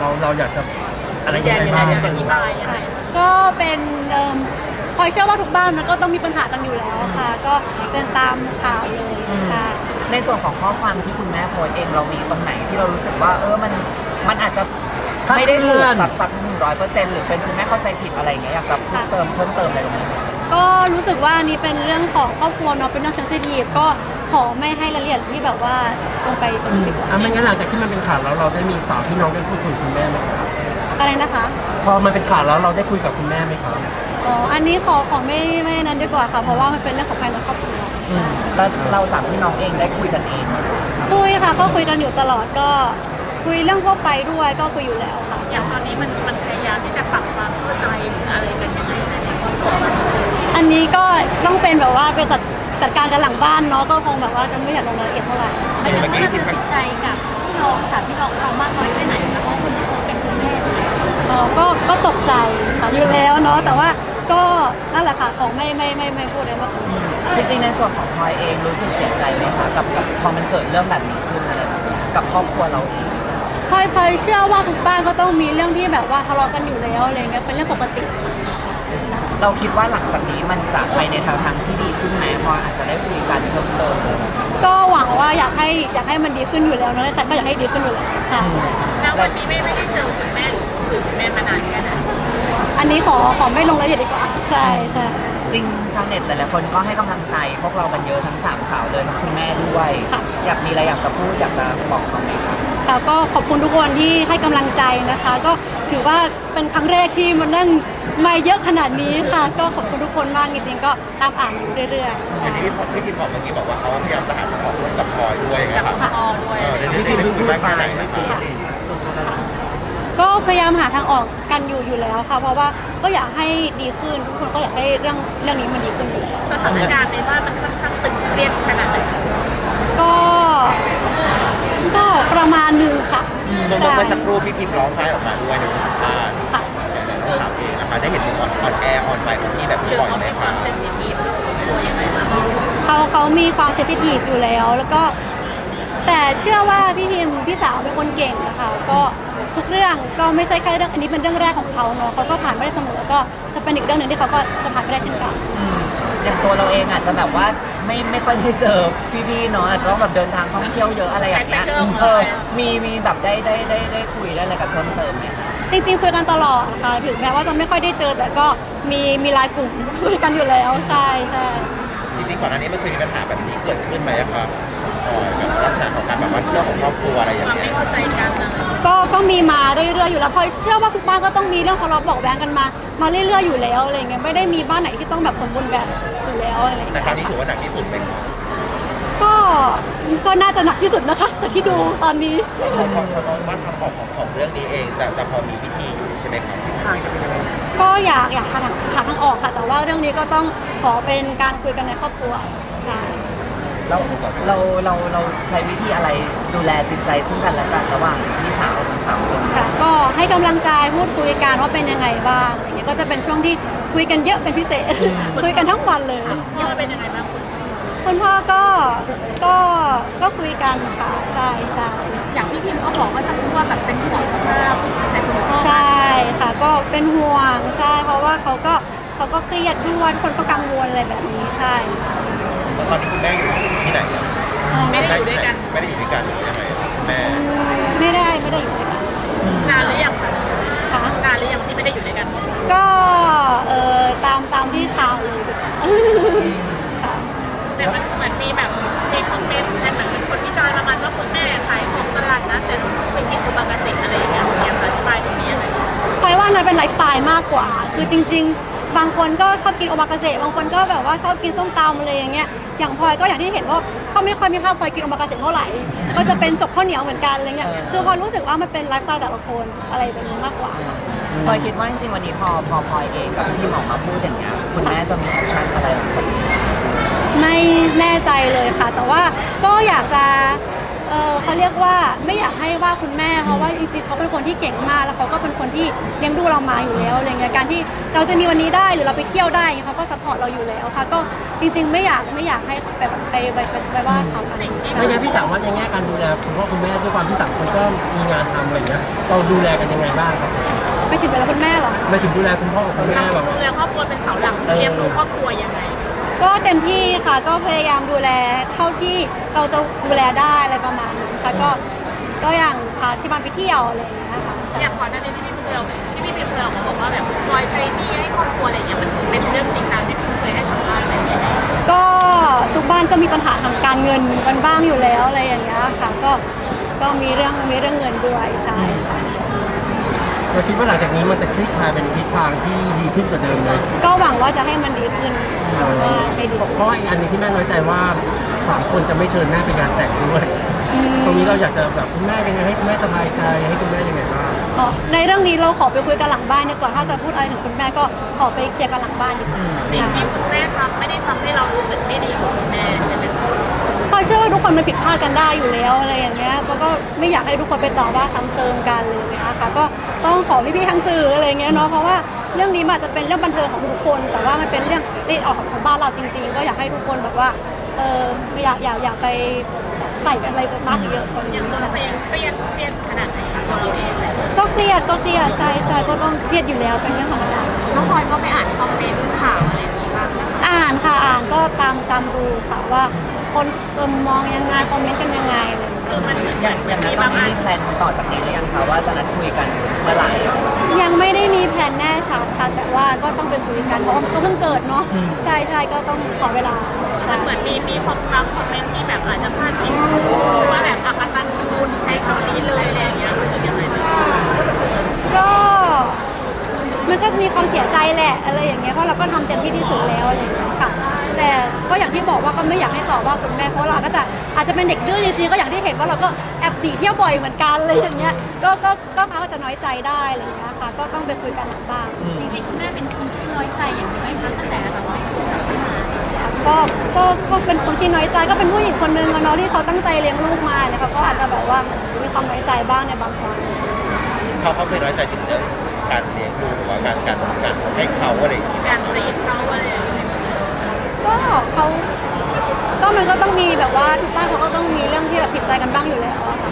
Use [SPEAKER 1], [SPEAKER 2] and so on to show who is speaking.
[SPEAKER 1] เราอยากจะอะไรยังไงบ้างอธิบายยังไง
[SPEAKER 2] ก็เป็นพลอยเชื่อว่าทุกบ้านมันก็ต้องมีปัญหากันอยู่แล้วค่ะก็เป็นตามข่าวเลยค่ะ
[SPEAKER 3] ในส่วนของข้อความที่คุณแม่โพสต์เองเรามีตรงไหนที่เรารู้สึกว่ามันอาจจะไม่ได้ถูกซับ100%หรือเป็นคุณแม่เข้าใจผิดอะไรอย่างเงี้ยอยากจะเพิ่มเติมอะไรตรงนี้
[SPEAKER 2] ก็รู้สึกว่านี่เป็นเรื่องของครอบครัวเนาะเป็นเรื่องเซนซิทีฟก็ขอไม่ให้รายละเอียดที่แบบว่าลงไปตรงนี้ดีกว่า
[SPEAKER 1] ไม่งั้นหลังจากที่มันเป็นข่าวแล้วเราได้มีสาวที่น้องได้พูดคุยกับคุณแม่ไหมครับ
[SPEAKER 2] อะไรนะคะ
[SPEAKER 1] พอมันเป็นข่าวแล้วเราได้คุยกับคุณแม่ไหมครับ
[SPEAKER 2] อ๋ออันนี้ขอไม่นั้นดีกว่าค่ะเพราะว่ามันเป็นเรื่องของภายในครอบครัว
[SPEAKER 3] แล้วเราสามพี่น้องเองได้คุยกันเอง
[SPEAKER 2] คุยค่ะก็คุยกันอยู่ตลอดก็คุยเรื่องทั่วไปด้วยก็คุยอยู่แล้วค่ะ
[SPEAKER 4] อย่างตอนนี้มันพยายามที่จะปรับความเข้าใจหรืออะไรกันยังไงในครอบครัว
[SPEAKER 2] อันนี้ก็ต้องเป็นแบบว่าไปจัดการกันหลังบ้านเนาะก็คงแบบว่าจะไม่อยากลงรายละเอียดเท่าไหร่
[SPEAKER 4] ไม่ถึงว่าเราตัดสินใจกับพี่น้องค่ะพี่น้องเขามากน้อยแค่ไหนนะเพราะคุณเป็นคุณแม่
[SPEAKER 2] ก็ตกใจค่ะอยู่แล้วเนาะแต่ว่าก็นั่นแหละค่ะของไม่พูดเลยมาก
[SPEAKER 3] จริงๆในส่วนของพลอยเองรู้สึกเสียใจไหมคะกับพอมันเกิดเรื่องแบบนี้ขึ้นอะไรแบบนี้กับครอบครัวเราเอง
[SPEAKER 2] พลอยเชื่อว่าทุกบ้านก็ต้องมีเรื่องที่แบบว่าทะเลาะกันอยู่แล้วอะไรเงี้ยเป็นเรื่องปกติ
[SPEAKER 3] เราคิดว่าหลังจากนี้มันจะไปในทางที่ดีขึ้นไหมพออาจจะได้คุยกันเพิ่มเติม
[SPEAKER 2] ก็หวังว่าอยากให้มันดีขึ้นอยู่แล้วนะแต่ก็อยากให้ดีขึ้นอยู่แล้วใช่
[SPEAKER 4] แล้ววันนี้ไม่ได้เจอคุณแม่หรือคุยคุณแม่มานานแค่ไหน
[SPEAKER 2] อันนี้ขอไม่ลงรายละเอียดดีกว่าใช่
[SPEAKER 3] จริงชาวเน็ตแต่ละคนก็ให้กำลังใจพวกเรากันเยอะทั้ง3สาวเลยทั้งคุณแม่ด้วยอยากมีอะไรอยากจะพูดอยากจะบอกเขาไหมคะ
[SPEAKER 2] ค่ะก็ขอบคุณทุกคนที่ให้กำลังใจนะคะก็ถือว่าเป็นครั้งแรกที่มันนั่งมาเยอะขนาดนี้ค่ะก็ขอบคุณทุกคนมากจริงๆก็ตามอ่านอยู่เรื่อยๆ
[SPEAKER 5] ใช่ที่พี่บอกเมื่อกี้บอกว่าเขาพยายามจะหาทางออกกับพลอยด้วยไงครับ
[SPEAKER 4] พอด้วย
[SPEAKER 5] นี่คือพูดไปไหน
[SPEAKER 2] ก็พยายามหาทางออกกันอยู่แล้วค่ะเพราะว่าก็อยากให้ดีขึ้นทุกคนก็อยากให้เรื่องนี้มันดีขึ้นอยู่แล้ว
[SPEAKER 4] สถานการณ์ในบ้านมันค่อนข้างตึงเครียดขนาดไหน
[SPEAKER 2] ก็ประมาณนึงค่ะ
[SPEAKER 5] เมื่อสักครู่พี่พิมร้องไห้ออกมาด้วยในวงการเราถามเองนะคะได้เห็นถึงออนแอร์ออนไลน์ของพี่แบบนี้บ่อยไหมคะ
[SPEAKER 4] เซนซิทีฟตัวยังไงบ้าง
[SPEAKER 2] เขามีความเซนซิทีฟอยู่แล้วก็แต่เชื่อว่าพี่สาวเป็นคนเก่งนะคะก็ทุกเรื่องก็ไม่ใช่แค่เรื่องอันนี้เป็นเรื่องแรกของเขาเนาะเขาก็ผ่านไม่ได้เสมอก็จะเป็นอีกเรื่องหนึ่งที่เขาก็จะผ่านไม่ได้เช่นกัน
[SPEAKER 3] อย่างตัวเราเองอาจจะแบบว่าไม่ค่อยได้เจอพี่ๆเนาะอาจจะต้องแบบเดินทางท่องเที่ยวเยอะอะไรอย่างเงี้ยมีแบบได้คุยได้อะไรกันเพิ่มเติมเนี่ย
[SPEAKER 2] จริงๆคุยกันตลอดค่ะถึงแม้ว่าจะไม่ค่อยได้เจอแต่ก็มีไลน์กลุ่มคุยกันอยู่แล้วใช่
[SPEAKER 5] จริงๆก่อนหน้านี้มันเคยมีปัญหาแบบนี้เกิดขึ้นไหมครับแบบลักษณะของการแบบว่าเรื่องของครอบครัวอะไรอย่างเงี้ย
[SPEAKER 4] ไม่เข้าใจกันนะ
[SPEAKER 2] ก็มีมาเรื่อยๆอยู่แล้วพอเชื่อว่าทุกบ้านก็ต้องมีเรื่องทะเลาะเบาะแว้งกันมาเรื่อยๆอยู่แล้วอะไรเงี้ยไม่ได้มีบ้านไหนที่ต้องแบบสมบูรณ์แบบอยู่แล้วอะไรเงี้ย
[SPEAKER 5] แต่ครั้งนี้ถือว่าหนักที่สุดไหม
[SPEAKER 2] ก็น่าจะหนักที่สุดนะคะจากที่ดูตอนนี้
[SPEAKER 5] ของบ้านทำของเรื่องนี้เองจะพอมีวิธีอยู่ใช่ไหมครับ
[SPEAKER 2] ก็อยากหาทางออกค่ะแต่ว่าเรื่องนี้ก็ต้องขอเป็นการคุยกันในครอบครัวใช่
[SPEAKER 3] เราใช้วิธีอะไรดูแลจิตใจซึ่งกันและกันระหว่างพี่สาวทั้ง3คน
[SPEAKER 2] ค่ะก็ให้กำลังใจพูดคุยกันว่าเป็นยังไงบ้างอย่างเงี้ยก็จะเป็นช่วงที่คุยกันเยอะเป็นพิเศษคุยกันทั้งวันเลย
[SPEAKER 4] พ่อเป็นยังไงบ้าง
[SPEAKER 2] คุณพ่อก็คุยกันค่ะใช่
[SPEAKER 4] อย่างพี่พิมก็บอกว่าจะพูดว่าแบบเป็นห่วงสภาพแต่คุณพ่อ
[SPEAKER 2] ใช่ค่ะก็เป็นห่วงใช่เพราะว่าเขาก็เครียดด้วยคนก็กังวลอะไรแบบนี้ใช่
[SPEAKER 5] ตอนนี้คุณแม่อยู่ที่ไหน
[SPEAKER 4] ไม่ได้อยู่ด้วยกัน
[SPEAKER 5] หรือยังไงแม่
[SPEAKER 2] ไม่ได้อยู่ด้วยกัน
[SPEAKER 4] นานหรือยังคะนานหรือยังที่ไม่ได้อยู่ด้วยกัน
[SPEAKER 2] ก็ตามที่ข่าวเลย
[SPEAKER 4] แต่มันเหมือนมีแบบมีคอมเมนต์เหมือนคนวิจารณ์ประมาณว่าคุณแม่ขายของตลาดนะแต่ลูกไปกินโอมากาเสะอะไรอย่างเงี้ยอยากอธิบายตรงนี้อะไร
[SPEAKER 2] พลอยว่านั้นเป็นไลฟ์สไตล์มากกว่าคือจริงๆบางคนก็ชอบกินโอมากาเสะบางคนก็แบบว่าชอบกินส้มตำอะไรอย่างเงี้ยอย่างพลอยก็อย่างที่เห็นว่าก็ไม่ค่อยมีภาพพลอยกินโอมากาเสะเท่าไหร่ก็จะเป็นจกข้าวเหนียวเหมือนกันอะไรเงี้ยคือพลอยรู้สึกว่ามันเป็นไลฟ์สไตล์แต่ละคนอะไรแบบนี้มากกว่า
[SPEAKER 3] พลอยคิดว่าจริงๆวันนี้พอพลอยเองกับพี่หมอมาพูดอย่างเงี้ยคุณแม่จะมีแอคชั่นอะไรหลังจากนี้
[SPEAKER 2] ไม่แน่ใจเลยค่ะแต่ว่าก็อยากจะเขาเรียกว่าไม่อยากให้ว่าคุณแม่เพราะว่าจริงๆเขาเป็นคนที่เก่งมากแล้วเขาก็เป็นคนที่เลี้ยงดูเรามาอยู่แล้วอะไรเงี้ยการที่เราจะมีวันนี้ได้หรือเราไปเที่ยวได้เขาก็ซัพพอร์ตเราอยู่แล้วค่ะก็จริงๆไม่อยากให้ไปว่าเขา
[SPEAKER 1] ไม่งั้นพี่ถามว่าในแง่การดูแลคุณพ่อคุณแม่ด้วยความที่ต่างคนก็มีงานทำอะไรเงี้ยเราดูแลกันยังไงบ้างครับ
[SPEAKER 2] ไม่ถึงเวลาคุณแม่หรอ
[SPEAKER 1] ไม่ถึงดูแลคุณพ่อกับคุณแม่แบบ
[SPEAKER 4] ดูแลครอบครัวเป็นเสาหลักเลี้ยงดูครอบครัวยังไง
[SPEAKER 2] ก็เต็มที่ค่ะก็พยายามดูแลเท่าที่เราจะดูแลได้อะไรประมาณนั้นค่ะก็อย่างพาที่บ้านไปเที่ยวอะไรอย่างเงี้ยค่ะใช่
[SPEAKER 4] อย่างก่อนหน้านี้ที่พี่พิมพ์เราเขาบอกว่าแบบคอยใช้หนี้ให้ครอบครัวอะไรอย่างเงี้ยมันคือเป็นเรื่องจริงตามที่พี่เคยให้สัมภาษณ์เลยใช่ไหม
[SPEAKER 2] ก็ทุกบ้านก็มีปัญหาทางการเงินกันบ้างอยู่แล้วอะไรอย่างเงี้ยค่ะก็มีเรื่องเงินด้วยใช่ค่ะ
[SPEAKER 1] เราคิดว่าหลังจากนี้มันจะคลี่คลายเป็นทิศทางที่ดีขึ้นกว่าเดิมเลย
[SPEAKER 2] ก็หวังว่าจะให้มันดีขึ้นว่าให้ดี
[SPEAKER 1] เพราะว่าอีกอันหนึงที่แม่น้อยใจว่า3 คนจะไม่เชิญแม่ไปงานแต่งด้วยตรงนี้เราอยากจะแบบคุณแม่ยังไงให้คุณแม่สบายใจให้คุณแม่ยังไงบ้าง
[SPEAKER 2] อ๋อในเรื่องนี้เราขอไปคุยกันหลังบ้านดีกว่าถ้าจะพูดอะไรถึงคุณแม่ก็ขอไปเคลียร์กันหลังบ้านดีกว่า
[SPEAKER 4] สิ่ง
[SPEAKER 2] ใช่
[SPEAKER 4] ที่คุณแม่ทำไม่ได้ทำให้เรารู้สึกไม่ดีกับคุณแม่ใช่ไหมคะ
[SPEAKER 2] เพราะเชื่อว่าทุกคนมันผิดพลาดกันได้อยู่แล้วอะไรอย่างเงี้ยแล้วก็ไม่อยากให้ทุกคนไปต่อว่าซ้ำเติมกันเลยนะคะก็ต้องขอพี่ๆทางสื่ออะไรอย่างเงี้ยเนาะเพราะว่าเรื่องนี้มันอาจจะเป็นเรื่องบันเทิงของทุกคน แต่ว่ามันเป็นเรื่องละเอียดอ่อนของบ้านเราจริง ๆ ก็อยากให้ทุกคนแบบว่าไม่อยากไปใส่กันอะไรมากเยอะคน
[SPEAKER 4] อย่างตัวเราเองเครียดขนาดไหนตัวเราเองเลย
[SPEAKER 2] ก็เครียดใช่ก็ต้องเครียดอยู่แล้วเป็นเรื่องธรรมดา
[SPEAKER 4] น้องพลอยก็ไปอ่านคอมเมนต์ข่าวอะไรอย่างนี้บ้างไหมคะ
[SPEAKER 2] อ่านค่ะอ่านก็ตามดูค่ะว่าคนมองยังไงคอมเมนต์กันยังไงอะไรอย่างเงี้ย
[SPEAKER 4] คือมันเหมือน
[SPEAKER 3] อย่างนั้นตอนนี้มีแพลนต่อจากนี้หรือยังคะว่าจะนัดคุยกันเมื่อไหร่
[SPEAKER 2] ยังไม่ได้มีแผนแน่ชัดค่ะแต่ว่าก็ต้องไปคุยกันเพราะว่าก็เพิ่งเกิดเนาะใช่ก็ต้องขอเวลาใช่
[SPEAKER 4] มันเหมือนมีคอมเมนต์ที่แบบอาจจะพลาดพิงดูว่าแบบอักตันยูนใช้คำนี้เลยอะไรอย่างเงี้ยรู้สึกยังไงบ้าง
[SPEAKER 2] ก็มันก็มีความเสียใจแหละอะไรอย่างเงี้ยเพราะเราก็ทำเต็มที่ที่สุดแล้วอะไรอย่างเงี้ยค่ะแต่ก็อย่างที่บอกว่าก็ไม่อยากให้ตอบว่าคุณแม่เพราะเราก็จะอาจจะเป็นเด็กดื้อจริงๆก็อย่างที่เห็นว่าเราก็แอบหนีเที่ยวบ่อยเหมือนกันอะไรอย่างเงี้ยก็เขาจะน้อยใจได้อะไรอย่างเงี้ยค่ะก็ต้องไปคุยกันหลังบ้าน
[SPEAKER 4] จริงๆคุณแม่เป็นคนที่น้อยใจอย่างนี้ไหมคะตั้งแต่แบบว่า
[SPEAKER 2] ก็เป็นคนที่น้อยใจก็เป็นผู้หญิงคนนึงอะเนาะที่เขาตั้งใจเลี้ยงลูกมาเนี่ยเขาก็อาจจะแบบว่ามีความน้อยใจบ้างในบางครั้ง
[SPEAKER 5] เขาเคยน้อยใจถึงเรื่องการเลี้ยงดูหรือว่าการให้เขาอะไรอย่างเงี้ย
[SPEAKER 4] การทรีตเขาอะไรอย่างเงี้ย
[SPEAKER 2] ก็มันก็ต้องมีแบบว่าทุกบ้านเขาก็ต้องมีเรื่องที่แบบผิดใจกันบ้างอยู่แล้วอะค่ะ